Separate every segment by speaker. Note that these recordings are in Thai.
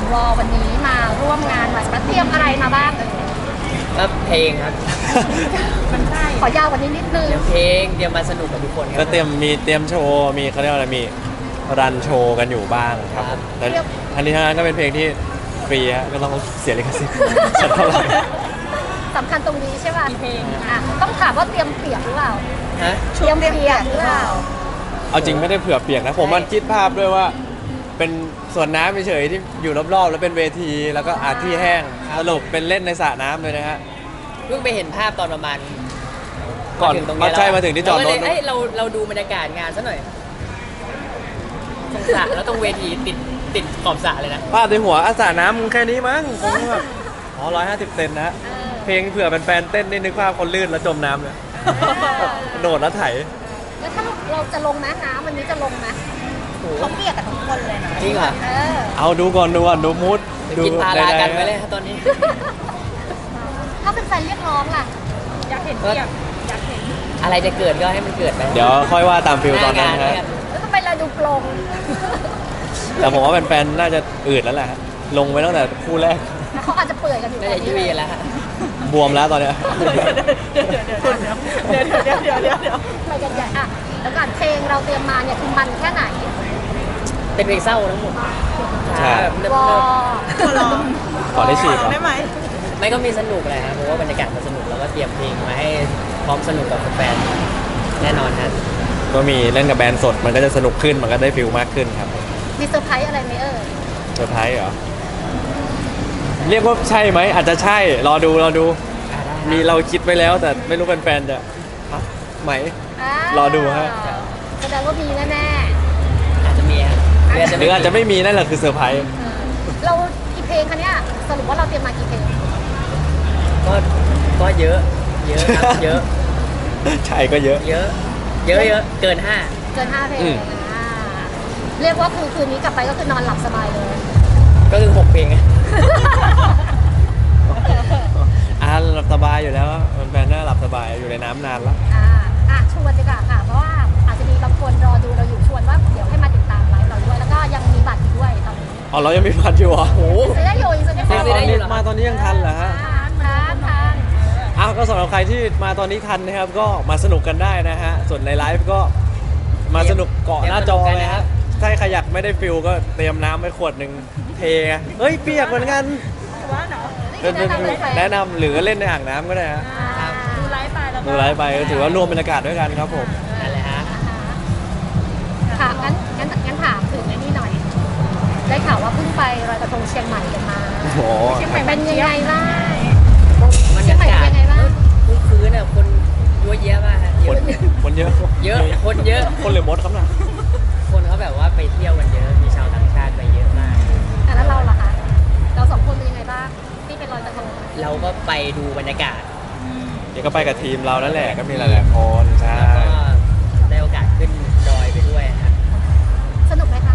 Speaker 1: วอวันนี้มาร่วมงานมาเตรียมอะไรมาบ้าง
Speaker 2: ก็เพลงครับ
Speaker 1: มันใช่ขอยาวกว่านี้นิดนึง
Speaker 2: เตรียมเพลงเตรียมมาสนุกกับทุกคนครั
Speaker 3: ก็เตรียมโชว์มีเขาเรียกว่าอะไรมีรันโชว์กันอยู่บ้างครับผมแต่อันนี้ทั้งนั้นก็เป็นเพลงที่ฟรีฮะก็ต้องเสียลิขสิทธิ์สักเท่าไหร่
Speaker 1: สำคัญตรงนี้ใช่ป่ะเพลงต้องถามว่าเตรียมเปียกหรือเปล่า
Speaker 2: ฮะ
Speaker 1: เตรียมเปียกหรือเปล่า
Speaker 3: เอาจริงไม่ได้เผื่อเปียกนะผมมันคิดภาพด้วยว่า เป็นสวนน้ำเฉยๆที่อยู่รอบๆแล้วเป็นเวทีแล้วก็อาที่แห้งสรุปเป็นเล่นในสระน้ำเลยนะฮะ
Speaker 2: เพิ่งไปเห็นภาพตอนประมาณ
Speaker 3: ก่อน
Speaker 2: มาถึงตรง
Speaker 3: มา
Speaker 2: นี้
Speaker 3: ใช่มาถึงที่จอดรถ
Speaker 2: เาก็เลยเอ้ยเราดูบรรยากาศงานซะหน่อยตรงสระแล้วตรงเวทีติดขอบสระเลยนะ
Speaker 3: ภาพในหัวสระน้ำมึงแค่นี้มั้งผมก็แบบอ๋อ150 เซนนะฮะเพลงเผื่อเป็นแฟนเต้นนี่นึกภาพคนลื่นแล้วจมน้ำเลยโดดแล้วไถ
Speaker 1: แล้วถ้าเราจะลงนะน้ำวันนี้จะลงนะเขาเปียกกับทุกคนเลยนะ
Speaker 2: จริงเหรอ
Speaker 3: เอาดูก่อนดูมูด
Speaker 2: ไปกินพารากันไปเลยฮะตอนนี้
Speaker 1: ถ้าเป็นแฟนเรียกร้องล่ะอยากเห็นเปียกอยากเห็น
Speaker 2: อะไรจะเกิดก็ให้มันเกิดไป
Speaker 3: เดี๋ยวค่อยว่าตามฟิลตอนนั้น
Speaker 2: หางา
Speaker 3: ฮะ
Speaker 2: แล้วกั
Speaker 1: แล้วทำไมเราดูโปร่ง
Speaker 3: แต่ผมว่าแฟนๆน่าจะอืดแล้วแหละฮะลงไปตั้งแต่คู่แรก
Speaker 1: แล้วเขาอาจจะเปื่อยกันอยู่
Speaker 2: น่าจะยุ่ยแล้วฮะ
Speaker 3: บวมแล้วตอนเนี้ย
Speaker 1: เดี๋ยวไปกันใหญ่อะแล้วก่อนเพลงเราเตรียมมาเนี่ยคือมันแค่ไหน
Speaker 2: เป็นเพลงเศร้าทั้งหมด
Speaker 3: ใช่
Speaker 2: แบบเนิบ
Speaker 1: วอ
Speaker 3: ขอได้ฉีดเหรอ
Speaker 2: ๆไม่ก็มีสนุกเลยครับเพราะว่าบรรยากาศมันสนุกแล้วก็เตรียมเพลงมาให้พร้อมสนุกกับแฟนๆแน่นอนฮะ
Speaker 3: ก็มีเล่นกับแบรนด์สดมันก็จะสนุกขึ้นมันก็ได้ฟิลมากขึ้นครับ
Speaker 1: มีเซอร์ไพรส์อะไรไหม
Speaker 3: เซอร์ไพรส์เหรอเรียกว่าใช่ไหมอาจจะใช่รอดูมีเราคิดไว้แล้วแต่ไม่รู้แฟนๆจะฮะไหม รอดูฮะ
Speaker 1: แสดงว่ามีแน่
Speaker 2: อาจจะมีฮะ
Speaker 3: หรืออาจจะไม่มีนั่นแหละคือเซอร์ไพรส์
Speaker 1: ๆเรากี่เพลงคะเนี่ยสรุปว่าเราเตรียมมากี่เพลง
Speaker 2: ก็เยอะครับเยอะ
Speaker 3: ใช่ก็เยอะ
Speaker 2: เยอะเกิน
Speaker 1: เกิน5เพลง
Speaker 3: อืม
Speaker 1: อ่าเรียกว่าคือคืนนี้กลับไปก็คือนอนหลับสบายเลย
Speaker 2: 5ก็คือ6เพลง
Speaker 3: หลับสบายอยู่แล้วแฟนๆน่าหลับสบายอยู่ในน้ำนานแล้ว
Speaker 1: ชวนดีกว่าค่ะ เพราะว่าอาจจะมีบางคนรอดูเราอยู่ชวนว่าเดี๋ยวให้มาติดตามไลฟ์เราด้วย แล้วก็ยังมีบัตรอีกด้วยตอนนี้
Speaker 3: อ๋อเรายังมีพันอยู่เหรอ
Speaker 2: โอ้โห
Speaker 1: ซื้อได้อยู่ยังซื้อได้
Speaker 2: ซื้อได้อยู่เหรอ
Speaker 3: มาตอนนี้ยังทันเหรอฮะ
Speaker 1: ทาน
Speaker 3: อ้าวก็สำหรับใครที่มาตอนนี้ทันนะครับก็มาสนุกกันได้นะฮะส่วนในไลฟ์ก็มาสนุกเกาะหน้าจอเลยฮะถ้าใครอยากไม่ได้ฟิลก็เตรียมน้ำไว้ขวดหนึ่งเทไงเฮ้ยเปียกเหมือนกันแนะนำหรือเล่นในอ่างน้ำก็ได้ฮะ
Speaker 1: ดูไลฟ์ไปแล้ว
Speaker 3: ดูไลฟ์ไปก็ถือว่ารวมบรรยากาศด้วยกันครับผม
Speaker 2: นั่นแหละฮะ
Speaker 1: ค่ะงั้นถามถึงไอ้นี่หน่อย ได้ข่าวว่าเพิ่งไปลอยกระทงเชียงใหม่กันมา
Speaker 3: โอ้โห
Speaker 1: เชียงใหม่เป็นยังไงบ้าง
Speaker 2: บรร
Speaker 1: เชียง
Speaker 2: ยา
Speaker 1: ใหม่
Speaker 2: กา
Speaker 1: เป็
Speaker 2: ศ
Speaker 1: นยังไงบ้าง
Speaker 2: พื้นคนเยอะแยะมากฮะ
Speaker 3: คนเยอะ
Speaker 2: คนเยอะ
Speaker 3: คนหรือมดครับน่ะ
Speaker 2: คนเขาแบบว่าไปเที่ยวกันเยอะมีชาวต่างชาติไปเยอะมาก
Speaker 1: แล้วเราล่ะคะเราสองคนเป็นยังไงบ้างที่เป็นลอยกระทง
Speaker 2: เราก็ไปดูบรรยากาศ
Speaker 3: เดี๋ยวก็ไปกับทีมเรานั่นแหละก็มีหลายๆคนใช่
Speaker 2: แล้วก็ได้โอกาสขึ้นดอยไปด้วยฮะ
Speaker 1: สนุกไหมคะ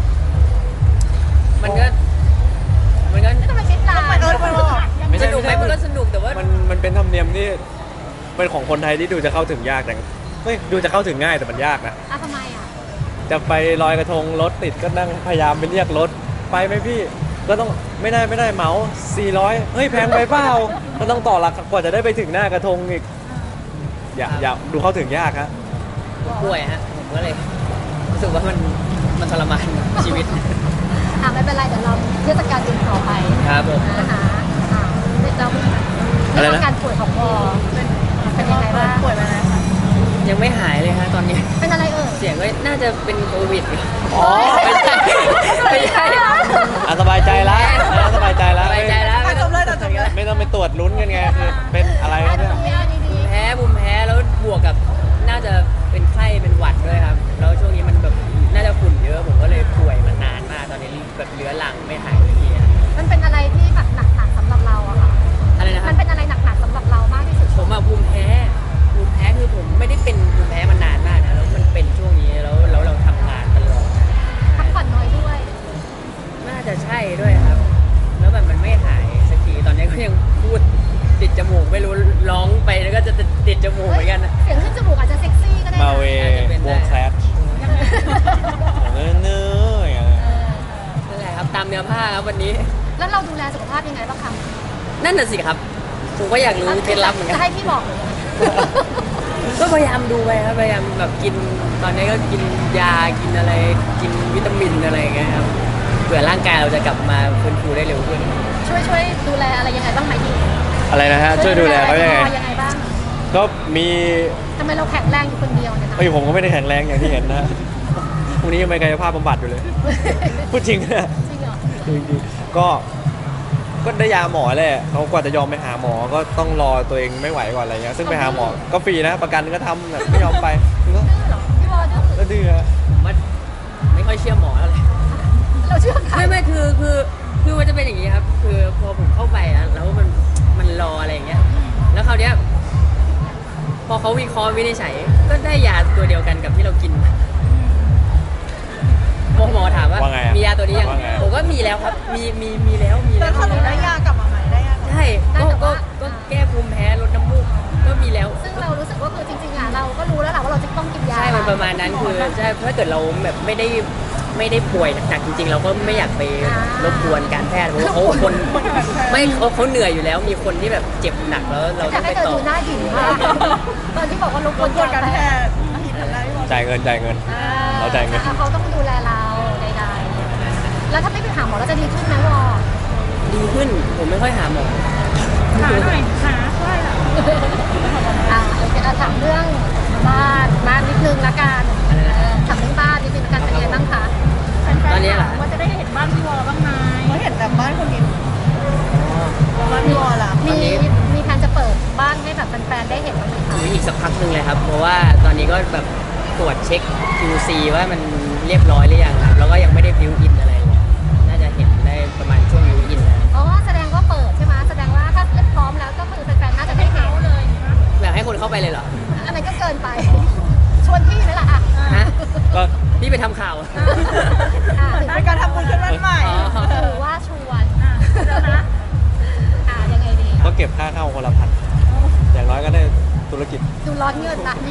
Speaker 2: มันก็
Speaker 1: ไม่ต้องไปคิดนาน
Speaker 2: สนุกไหมมันก็สนุกแต่ว่า
Speaker 3: มันเป็นธรรมเนียมที่เป็นของคนไทยที่ดูจะเข้าถึงยากแต่ดูจะเข้าถึงง่ายแต่มันยากนะ
Speaker 1: ทำไมอ่ะ
Speaker 3: จะไปลอยกระทงรถติดก็นั่งพยายามไปเรียกรถไปไหมพี่ก็ต้องไม่ได้เหมา400เฮ้ยแพงไปเปล่าก็ต้องต่อราคากว่าจะได้ไปถึงหน้ากระทงอีกอย่าดูเข้าถึงยากฮะ
Speaker 2: ป่วยฮะผมก็เลยรู้สึกว่ามันทรมานชีวิต
Speaker 1: ไม่เป็นไรเดี๋ยวเราเทศกาลอื่นต่อไป
Speaker 2: ครับผม
Speaker 1: เราเรื่องการป่วยของวอเป็นยังไงบ้างป่วยมาแล้วคะ
Speaker 2: ยังไม่หายเลยฮะตอนนี้
Speaker 1: เป็นอะไร
Speaker 2: เสียงก็น่าจะเป็นโควิด
Speaker 3: อ๋อ
Speaker 2: ไม่ใช่
Speaker 3: สบายใจแล้วสบายใจแล้ว
Speaker 2: สบายใจแล้ว
Speaker 3: ไม่ต้องไปตรวจลุ้นกันไงคือเป็นอะไรเนี่ย
Speaker 2: ภูมิแพ้แล้วบวกกับน่าจะเป็นไข้เป็นหวัดด้วยครับแล้วช่วงนี้มันแบบน่าจะฝุ่นเยอะผมก็เลยป่วยมานานมากตอนนี้แบบเรื้อรังไม่หายเลยทีอะ
Speaker 1: มันเป็นอะไรที่แบบหนักๆสำหรับเราอะค่ะ
Speaker 2: อะไรนะค
Speaker 1: มั
Speaker 2: รับ
Speaker 1: นเป็นอะไรหนักๆสำหรับเรามากที่สุด
Speaker 2: ผมอะภูมิแพ้คือผมไม่ได้เป็นภูมิแพ้มานานมากนะแล้วมันเป็นช่วงนี้แล้วเราทำงานตลอด
Speaker 1: พักผ่อนน้อยด้วย
Speaker 2: น่าจะใช่ด้วยครับ แล้วแบบมันไม่หายสักทีตอนนี้ก็ยังพูดติดจมูกไม่รู้ร้องไปแล้วก็จะติดจมูกเหมือนกันนะ
Speaker 1: เสียงขึ้นจมูกอาจจะเซ็กซี่ก็ได้
Speaker 3: มาเววงแคลชเนื้ออย่างเงี้ย
Speaker 2: นั่นแหละครับตามเนื้อผ้าครับวันนี้
Speaker 1: แล้วเราดูแลสุขภาพยังไงบ้างคะ
Speaker 2: นั่นน่ะสิครับผมก็อยากรู้เคล็ดลับเหมือนกั
Speaker 1: จะ
Speaker 2: น
Speaker 1: ให้พี่บอกเลย
Speaker 2: ก็พยายามดูไปครับพยายามแบบกินตอนนี้ก็กินยากินอะไรกินวิตามินอะไรอย่างเงี้ยครับเผื่อร่างกายเราจะกลับมาฟื้นฟูได้เร็วขึ้น
Speaker 1: ช่วยดูแลอะไรยังไงบ้างไหมพี่
Speaker 3: อะไรนะฮะช่วยดูแลเขายังไง
Speaker 1: ยังไงบ้าง
Speaker 3: ก็มี
Speaker 1: ทำไมเราแข็งแรงอยู่คนเดียวเนี่ยนะ
Speaker 3: เอ้ยผมก็ไม่ได้แข็งแรงอย่างที่เห็นนะฮะพรุ่งนี้ยังไปกายภาพบำบัดอยู่เลย พูดจริงนะ
Speaker 1: จริงเหรอ
Speaker 3: จริงๆก็ได้ยาหมอแหละเขากว่าจะยอมไปหาหมอก็ต้องรอตัวเองไม่ไหวก่อนอะไรเงี้ยซึ่งไปหาหมอก็ฟรีนะประกันก็ทำแบบไม่ยอมไปก็
Speaker 1: ดื้อเหรอพี่วอดื้อ
Speaker 3: ก็ดื้อฮะ
Speaker 2: ผมว่าไม่ค่อยเชื่อหมอเท่าไหร่
Speaker 1: เราเชื่อใคร
Speaker 2: ไม่คือมันจะเป็นอย่างนี้ครับ คือพอผมเข้าไปอะแล้วมันรออะไรอย่างเงี้ยแล้วคราวเนี้ยพอเขาวิเคราะห์วินิจฉัยก็ได้ยาตัวเดียวกันกับที่เรากินหมอถามว่า
Speaker 3: ว่าไงอะ
Speaker 2: มียาตัวนี้ยัง
Speaker 3: ว่าไงอะ
Speaker 2: ผมก็มีแล้วครับมีแล้ว
Speaker 4: แล้วสรุปได้ยากลับมาไหมได้ยากลับมา
Speaker 2: ใช่ก็แก้ภูมิแพ้ลดน้ำมูกก็มีแล้ว
Speaker 1: ซึ่งเรารู้สึกว่าคือจริงๆอ่ะเราก็รู้แล้วแหละว่าเราจะต้องกินยา
Speaker 2: ใช่มันประมาณนั้นคือใช่ถ้าเกิดเราแบบไม่ได้ป่วยหนักๆจริงๆ เราก็ไม่อยากไปรบกวนการแพทย์เพราะว่าเขาคนไม่เขาเหนื่อยอยู่แล้ว มีคนที่แบบเจ็บหนักแล้วเรา
Speaker 1: อยา
Speaker 2: ต้
Speaker 1: ก
Speaker 2: อง
Speaker 1: ให้
Speaker 2: ไป
Speaker 1: เธอ
Speaker 2: ต่อ
Speaker 1: ดูหน้าหญิงมากตอนที่บอกว่ารบก
Speaker 4: ร
Speaker 1: วน
Speaker 4: บกวนการแพทย์ผิดอะไรพี่บอล
Speaker 3: จ่ายเงิน เราจ่ายเงิน
Speaker 1: เขาต้องดูแลเราใดๆแล้วถ้าไม่ไปหาหมอเราจะดีขึ้นไหมวอ
Speaker 2: ดีขึ้นผมไม่ค่อยหาหมอ
Speaker 4: หาหน่อยหาช่วยอ่ะ
Speaker 1: โอเคถามเรื่องบ้านนิดนึงละกันถามเรื่องบ้านนิดนึงละกันเป็นไงบ้างคะ
Speaker 2: ตอนนี้เหรอ
Speaker 4: ว่าจะได้เห็นบ้านพี่วอลบ้างไหมเราเห็นแต่บ้านคนอื่นบ้านพี่วอลล่ะ
Speaker 1: มีแผนจะเปิดบ้านให้แบบแฟนๆได้เห็นบ้างไหมคะ
Speaker 2: มีอีกสักพักหนึ่งเลยครับ เพราะว่าตอนนี้ก็แบบตรวจเช็ค QC ว่ามันเรียบร้อยหรือยังครับแล้วก็ยังไม่ได้บิวอินอะไรเลยน่าจะเห็นได้ประมาณช่วงบิวอินนะ
Speaker 1: อ๋อแสดงว่าเปิดใช่ไหมแสดงว่าถ้าพร้อมแล้วก็คือแฟนๆน่าจะได้เห็นเลย
Speaker 2: อยากให้คนเข้าไปเลยเหรอ
Speaker 1: อะไรก็เกินไป ชวนพี่ไหมล่ะอ่ะ
Speaker 2: ฮะ
Speaker 3: ก็
Speaker 2: พี่ไปทำข่าว
Speaker 4: เป็นการทำบุญขึ้นบ้านใหม่
Speaker 2: อ๋อ
Speaker 1: หรือว่าชวน
Speaker 4: เดี๋ยวนะ
Speaker 1: ยังไงดี
Speaker 3: ก็เก็บค่าเข้าคนละพันอย่างน้อยก็ได้ธุรกิจ
Speaker 1: ดูร้อนเงินละนี่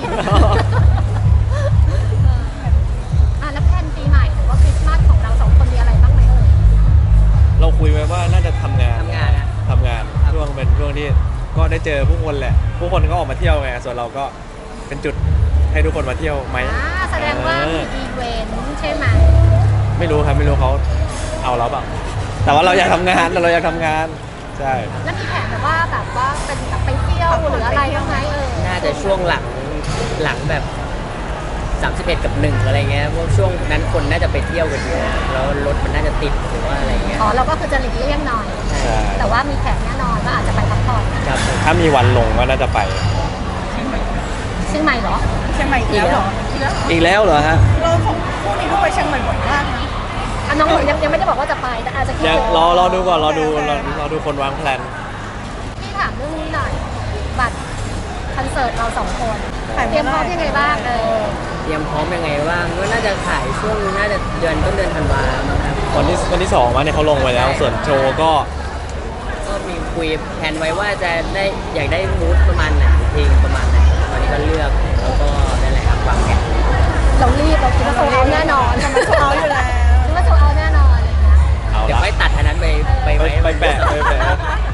Speaker 1: แล้วแผนปีใหม่หรือว่าคริสต์มาสของเราสองคนมีอะไรบ้างไหมเอ่ย
Speaker 3: เราคุยไว้ว่าน่าจะทำงาน
Speaker 2: ทำงานนะ
Speaker 3: ทำงานช่วงเป็นช่วงที่ก็ได้เจอผู้คนแหละ ผู้คนก็ออกมาเที่ยวไงส่วนเราก็เป็นจุดให้ทุกคนมาเที่ยวไหม
Speaker 1: แสดงว่ามีอีเวนต์ใช่ไหม
Speaker 3: ไม่รู้ครับไม่รู้เขาเอาเราเปล่าแต่ว่าเราอยากทำงานเราอยากทำงานใช่
Speaker 1: แล้วมีแผนแบบว่าเป็นแบบไปเที่ยวหรืออะไรบ้างไหม
Speaker 2: น่าจะช่วงหลังแบบ31กับ1อะไรเงี้ยเพราะช่วงนั้นคนน่าจะไปเที่ยวกันเยอะแล้วรถมันน่าจะติดหรือว่าอะไรเงี้ย
Speaker 1: อ๋อเราก็คือจะหลีกเลี่ยงหน่อย
Speaker 3: ใช่
Speaker 1: แต่ว่ามีแผนแน่นอนว่าอาจจะไปพักผ่อน
Speaker 2: ครับผม
Speaker 3: ถ้ามีวันลงก็น่าจะไป
Speaker 1: เชียงใหม่เหรอ
Speaker 4: เชียงใหม่อีกแล้วเหรอ
Speaker 3: อีกแล้วเหรอฮะ
Speaker 4: เราสองคู่นี้ก็ไปเชียงใหม่บ่อยมากนะ
Speaker 1: น้องหนูยังไม่ได้บอกว่าจะไปแต่อาจจะคิด
Speaker 3: ยังรอดูก่อนรอดู
Speaker 4: โอเค
Speaker 3: รอดูคนวางแผน
Speaker 1: พี่ถามเรื่องนี้หน่อยบัตรคอนเสิร์ตเราสองคน
Speaker 4: ขาย
Speaker 1: เตรียมพร้อมยังไงบ้าง
Speaker 2: เตรียมพร้อมยังไงบ้างก็น่าจะขายช่วงน่าจะเดือนต้นเดือนธันวาคมครับ
Speaker 3: วันที่2มาเนี่ยเขาลงไว้แล้ว ส่วนโชว์ก็
Speaker 2: ก็มีคุยแผนไว้ว่าจะได้อยากได้มูดประมาณไหนเพลงประมาณไหนตอนนี้ก็เลือกแล้วก็นั่นแหละครับวางแผน
Speaker 1: เรารีบเราคิดว่าโซเอาแน่นอน
Speaker 4: จะมาโชว์อยู่แล้ว
Speaker 1: คิดว่าโซเอาแน่นอนอะไรอย่างเงี้ย
Speaker 3: เอา
Speaker 2: เดี๋ยว
Speaker 3: ละ
Speaker 2: ค่อยตัดอันนั้นไป
Speaker 3: ไป
Speaker 2: ไว้
Speaker 3: ไปแปะไปแปะ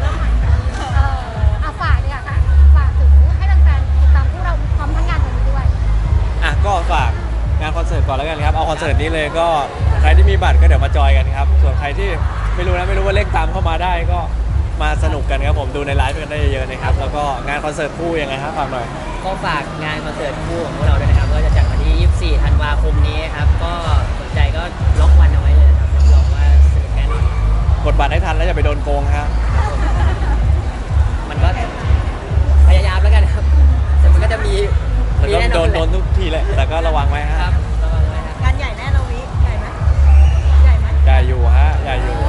Speaker 1: ฝากเนี่ยค่ะฝากถึงให้แฟนๆติดตามพวกเราพร้อมทั้งงานวันนี้ด้วย
Speaker 3: อ่ะก็ฝากงานคอนเสิร์ตก่อนแล้วกันครับเอาคอนเสิร์ตนี้เลยก็ใครที่มีบัตรก็เดี๋ยวมาจอยกันครับส่วนใครที่ไม่รู้ว่าเล่นตามเข้ามาได้ก็มาสนุกกันครับผมดูในไลฟ์กันได้เยอะๆนะครับแล้วก็งานคอนเสิร์ตคู่ยังไงครับฝากหน่อย
Speaker 2: ก็ฝากงานคอนเสิร์ตคู่ของพวกเราด้วยนะครับก็จะจัดวันที่ 24 ธันวาคมนี้ครับก็สนใจก็ล็อกวันเอาไว้เลยนะครับรับรองว่าสนุกแน่นอน
Speaker 3: กดบัตรให้ทันแล้วอย่าไปโดนโกงครับ
Speaker 2: มันก็พยายามแล้วกันครับแต่มันก็จะมี
Speaker 3: แล้วก็
Speaker 2: แน่น
Speaker 3: โด
Speaker 2: อน
Speaker 3: นทุกทีแหละแต่ก็ระวังไว้
Speaker 2: ค
Speaker 3: ฮะ
Speaker 2: รับระวังไว้ครับ
Speaker 4: งานใหญ่แน่เราวิใหญ่ไหมใหญ่ไหม
Speaker 3: อย่าอยู่ฮะอย่าอยู่